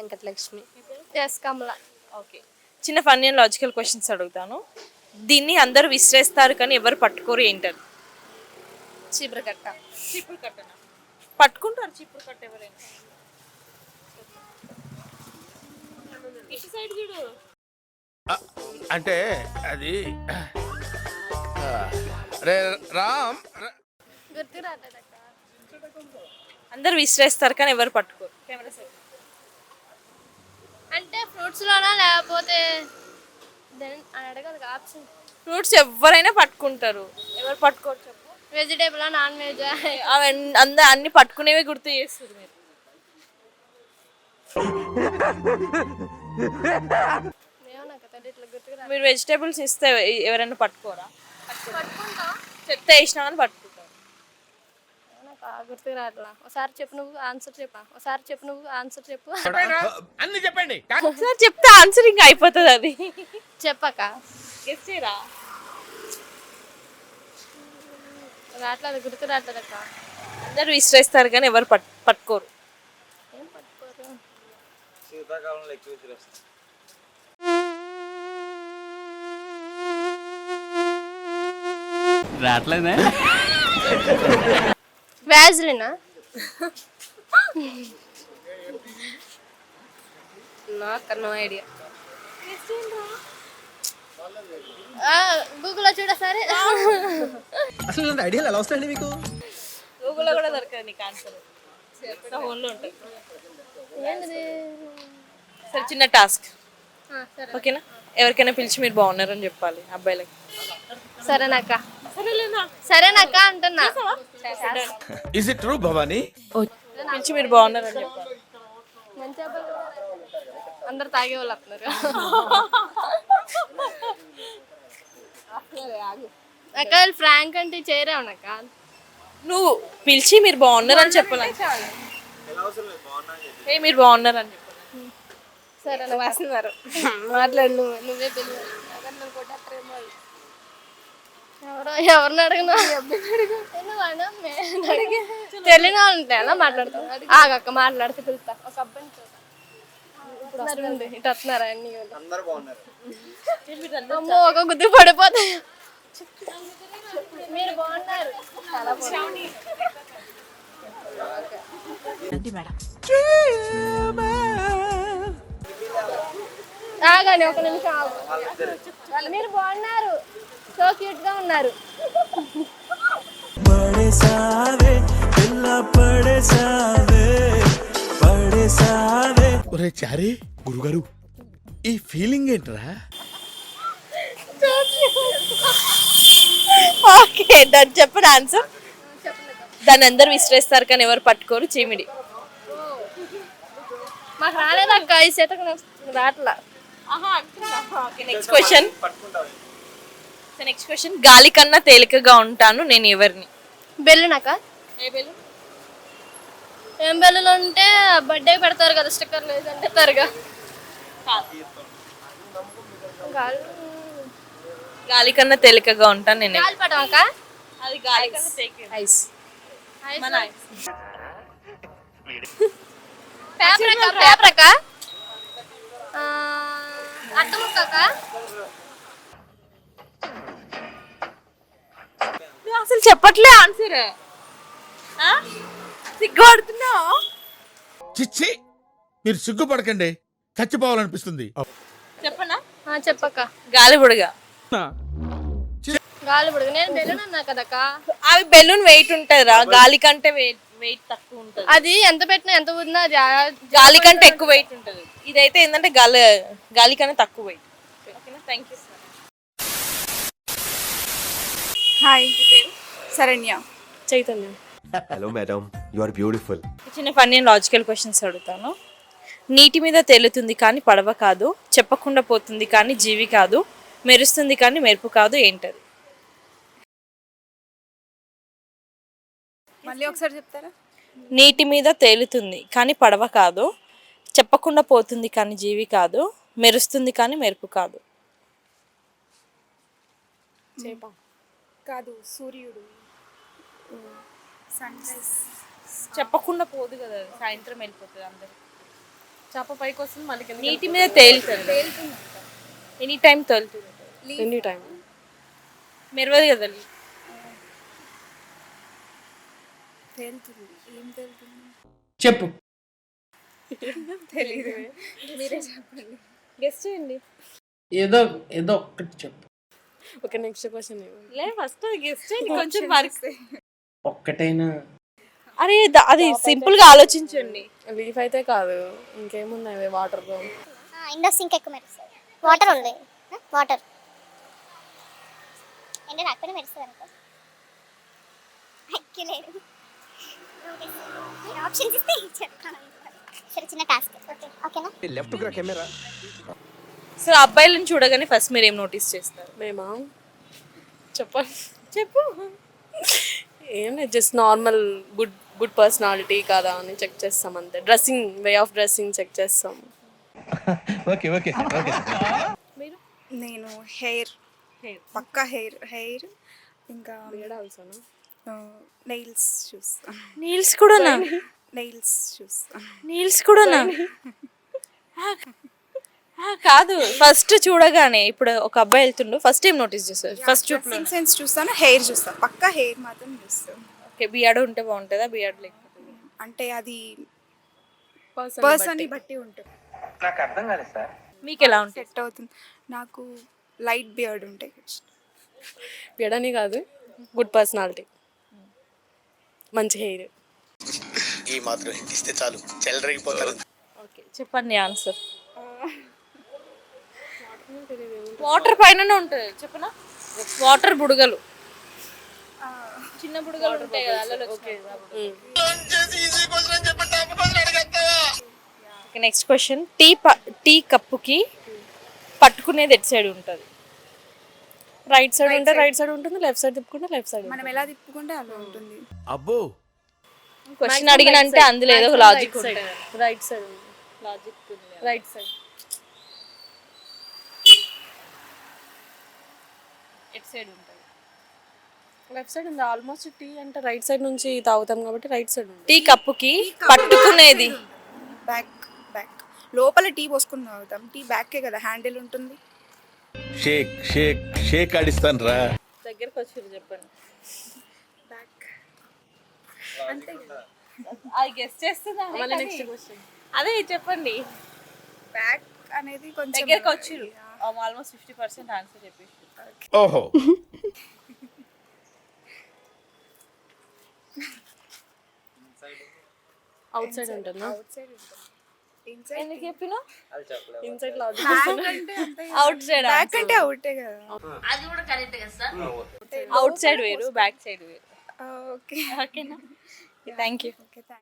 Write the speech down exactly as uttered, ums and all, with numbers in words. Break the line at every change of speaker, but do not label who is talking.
Venkatalakshmi.
S Kamala.
Okay, చిన్న funny and logical questions అడుగుతాను. దీన్ని అందరూ విసిరేస్తారు కానీ ఎవరు పట్టుకోరు, ఏంటది?
చీపురు కట్ట.
చీపురు కట్టనా? పట్టుకుంటారు చీపురు కట్ట ఎవరైనా. ఇటు సైడ్ చూడు.
అంటే అది రే రామ్
గుర్తు రాలేదక్క.
అందరూ విసిరేస్తారు కానీ ఎవరు పట్టుకోరు. Camera side.
అంటే ఫ్రూట్స్ లోనా లేకపోతే దెన్ అని అడగదు ఆప్షన్.
ఫ్రూట్స్ ఎవరైనా పట్టుకుంటారు, ఎవరు పట్టుకోరు చెప్పు.
Vegetable non veg?
అవి అంద అన్ని పట్టుకునేవి గుర్తు చేస్తారు మీరు. మీరు వెజిటేబుల్స్ ఇస్తే ఎవరైనా పట్టుకోరా?
పట్టుకుంటా.
చెప్తే వేసినా కానీ పట్టుకుంటారు.
గుర్తుకు రాట్లా. ఒకసారి చెప్పు నువ్వు ఆన్సర్ చెప్పా. ఒకసారి చెప్పు నువ్వు ఆన్సర్ చెప్పు.
అన్ని చెప్పండి.
ఒకసారి చెప్తే ఆన్సర్ ఇంకా అయిపోతుంది. అది
చెప్పక
గెస్ చేయరా?
రాట్లేదు, గుర్తు రాట్లేదు అక్క.
అందరూ విసిరేస్తారు కానీ ఎవరు పట్ పట్టుకోరు.
ఏం పట్టుకోరు?
శీతాకాలంలో ఎక్కువ విసిరేస్తారు.
రాట్లేదే.
వ్యాజ్లినా?
నాకు నో ఐడియా.
గూగుల్లో చూడ సరే.
అసలు ఇలాంటి ఐడియాలు ఎలా వస్తాయండి మీకు?
గూగుల్లో కూడా దొరకదు నీకు ఆన్సర్, ఫోన్లో ఉంటుంది.
ఏంటిది?
సరే, చిన్న టాస్క్.
సరే
ఓకేనా? ఎవరికైనా పిలిచి మీరు బాగున్నారని చెప్పాలి అబ్బాయిలకి.
సరేనక్క.
సరేలేనా?
సరేనక్క అంటున్నా.
Is it true Bhavani?
పిలిచి మీరు బాగున్నారని చెప్పాలి.
మంచి అబ్బాయి అందరు తాగే వాళ్ళు వస్తున్నారు. అక్క ఫ్రాంక్ అంటే చేరేమనక్క.
నువ్వు పిలిచి మీరు బాగున్నారని చెప్పాలి. ఏ మీరు బాగున్నారని చెప్పాలి.
సరే
వస్తున్నారు. మాట్లాడు నువ్వు.
నువ్వే పిలువు. ఎవరో ఎవరిని అడిగినా తెలియని వాళ్ళు ఉంటే అలా మాట్లాడతాం. ఆగక్క మాట్లాడితే పిలుస్తా. ఒక అబ్బాయిని ఇటు వస్తున్నారా అన్ని
అందరూ బాగున్నారు.
అమ్మో ఒక గుద్దు పడిపోతాయి. మీరు బాగున్నారు. ఆగాని ఒక నిమిషం ఆగు. మీరు బాగున్నారు, సో క్యూట్ గా ఉన్నారు.
ఒరే చారి గురుగారు, ఈ ఫీలింగ్ ఏంట్రా?
ఓకే, దాన్ని చెప్పిన ఆన్సర్. దాన్ని అందరూ విసిరేస్తారు కానీ ఎవరు పట్టుకోరు, చీమిడి.
మాకు రాలేదక్క ఈ చేతకు రాట్లా.
Next question. Next question. గాలి కన్నా తేలికగా ఉంటాను, నేను ఎవరిని?
బెల్లునాక?
ఏ బెల్లు?
ఏం బెల్లులు ఉంటే బర్త్డే పెడతారు కదా, స్టిక్కర్లు వేసి అంటారుగా.
గాలి కన్నా తేలికగా ఉంటాను నేను.
గాలిపటం అక్క?
అది గాలి కన్నా తేలిక.
ఐస్.
మన
పేపర్ అక్క? పేపర్ అక్క? అట్టముక్క అక్క?
నువ్వు అసలు చెప్పట్లే ఆన్సర్. సిగ్గుపడుతున్నావు?
చిచ్చి, మీరు సిగ్గుపడకండి, చచ్చిపోవాలనిపిస్తుంది.
చెప్పనా?
చెప్పక్క.
గాలి బుడగ.
గాలి బుడగ. నేను బెలూన్ అన్నా కదక్క.
అవి బెలూన్ వెయిట్ ఉంటుందిరా, గాలి కంటే వెయిట్ వెయిట్ తక్కువ ఉంటుంది.
అది ఎంత పెట్టినా ఎంత ఉన్నా
గాలి కంటే ఎక్కువ వెయిట్ ఉంటుంది. ఇదైతే ఏంటంటే గాలి గాలి కన్నా తక్కువ వెయిట్. ఓకేనా? Thank you.
Hi, Sharanya.
Chaitanya.
Hello madam, you are beautiful.
చిన్న ఫన్నీ లాజికల్ క్వశ్చన్స్ అడుగుతాను. నీటి మీద తేలుతుంది కానీ పడవ కాదు, చెప్పకుండా పోతుంది కానీ జీవి కాదు, మెరుస్తుంది కానీ మెరుపు కాదు, ఏంటది?
మళ్ళీ ఒకసారి చెప్తారా?
నీటి మీద తేలుతుంది కానీ పడవ కాదు, చెప్పకుండా పోతుంది కానీ జీవి కాదు, మెరుస్తుంది కానీ మెరుపు కాదు.
చేప కాదు, సూర్యుడు. Sunrise.
చెప్పకుండా పోదు కదా, సాయంత్రం వెళ్ళిపోతుంది అందరు.
చేప పైకి వస్తుంది మళ్ళీ కిందకి
నీటి మీద తేలుతుంది ఎనీ టైం తేలుతుంది
ఎనీ టైం
మెరవదు కదా
తేలుతుంది ఏం తేలుతుంది
చెప్పు.
తెలీదు మీరే చెప్పండి.
గెస్ట్ చేయండి.
ఏదో ఏదో ఒక్కటి చెప్పు.
ఓకే నెక్స్ట్ క్వశ్చన్
లే ఫస్ట్ గెస్ట్ చేయండి కొంచెం వర్క్
ఒక్కటైనా.
అరే ద- అది సింపుల్ గా ఆలోచించండి.
లీఫ్ అయితే కాదు ఇంకేమున్నాయి వాటర్
ఇండో సింక్ ఎక్కువ మెరుస్తుంది. వాటర్ ఉంది వాటర్ ఎండ రాకపోయినా మెరుస్తుంది అనుకో. అక్కలేదు ఆప్షన్స్ ఇస్తే చెప్తాను. సరే చిన్న టాస్క్ ఓకే ఓకేనా.
లెఫ్ట్ కెమెరా
సో అబ్బాయిలను చూడగానే ఫస్ట్ మీరు ఏం నోటీస్ చేస్తారు?
మేమా చెప్పండి చెప్పు. ఏం లేదు just normal good good personality కదా అని చెక్ చేస్తాం అంతే. Dressing way of dressing check చేస్తాం.
ఓకే ఓకే ఓకే
మీరు
నేను హెయిర్ పక్కా హెయిర్ హెయిర్ ఇంకా నెయిల్స్ చూస్తాను.
నీల్స్ కూడానా?
నెయిల్స్ చూస్తాను.
నీల్స్ కూడానా? ఆ, కాదు ఫస్ట్ చూడగానే ఇప్పుడు ఒక అబ్బాయి వెళ్తుండు ఫస్ట్ ఏం నోటీస్ చేస్తారు? ఫస్ట్ చూపు
డ్రెస్సింగ్ సెన్స్ చూస్తాను, హెయిర్ చూస్తాను. పక్కా హెయిర్ మాత్రం చూస్తాను.
ఓకే బియాడ్ ఉంటే బాగుంటుందా బియాడ్ లేకపోతే?
అంటే అది
పర్సన్
పర్సన్ బట్టి ఉంటుంది.
నాకు అర్థం కాలేదు సార్.
మీకు ఎలా ఉంటుంది?
సెట్ అవుతుంది. నాకు లైట్ బియర్డ్ ఉంటాయి.
బియడని కాదు గుడ్ పర్సనాలిటీ మంచి హెయిర్.
ఈ మాత్రం ఇస్తే చాలు చెల్లరగిపోతారు.
ఓకే చెప్పండి ఆన్సర్. వాటర్ పైననే ఉంటుంది చెప్పనా? వాటర్ బుడగలు చిన్న బుడగలు ఉంటాయి కదా అలలో okay. Next question tea tea కప్పుకి పట్టుకునేది ఎట్ సైడ్ ఉంటుంది?
రైట్ సైడ్ ఉంటే రైట్ సైడ్ ఉంటుంది, లెఫ్ట్ సైడ్ తిప్పుకుంటే లెఫ్ట్ సైడ్.
మనం ఎలా తిప్పుకుంటే అలా ఉంటుంది.
అబ్బో
క్వశ్చన్ అడిగిన అంటే అందులో ఏదో ఒక లాజిక్ ఉంటుంది.
Right side
logic
right side
ఎట్ సైడ్ ఉంటుంది?
లెఫ్ట్ సైడ్ ఉంది. ఆల్మోస్ట్ టీ అంటే రైట్ సైడ్ నుంచి తాగుతాం కాబట్టి రైట్ సైడ్ ఉంది.
టీ కప్పుకి పట్టుకునేది
బ్యాక్ బ్యాక్ లోపల టీ పోసుకుని తాగుతాం. టీ బ్యాకే కదా హ్యాండిల్ ఉంటుంది.
షేక్ షేక్ షేక్ ఆడిస్తాను రా.
దగ్గరకు వచ్చి చెప్పండి.
బ్యాక్
అది గెస్ట్ చేస్తుందా?
మళ్ళీ నెక్స్ట్ క్వశ్చన్
అదే చెప్పండి.
బ్యాక్ అనేది కొంచెం
దగ్గరకు వచ్చిర్రు ఆల్మోస్ట్ ఫిఫ్టీ పర్సెంట్ ఆన్సర్ చెప్పేసి.
ఓహో
అవుట్ సైడ్ ఉంటుందా?
అవుట్ సైడ్ ఉంటుంది. ఇన్సైడ్
ఎందుకు చెప్పినా
ఇన్సైడ్ లాజిక్
అంటే అంతే.
అవుట్ సైడ్
బ్యాక్ అంటే అవుటే కదా.
అవుట్ సైడ్ వేరు బ్యాక్ సైడ్ వేరు.
ఓకే
ఓకేనా? Thank you.
Okay thank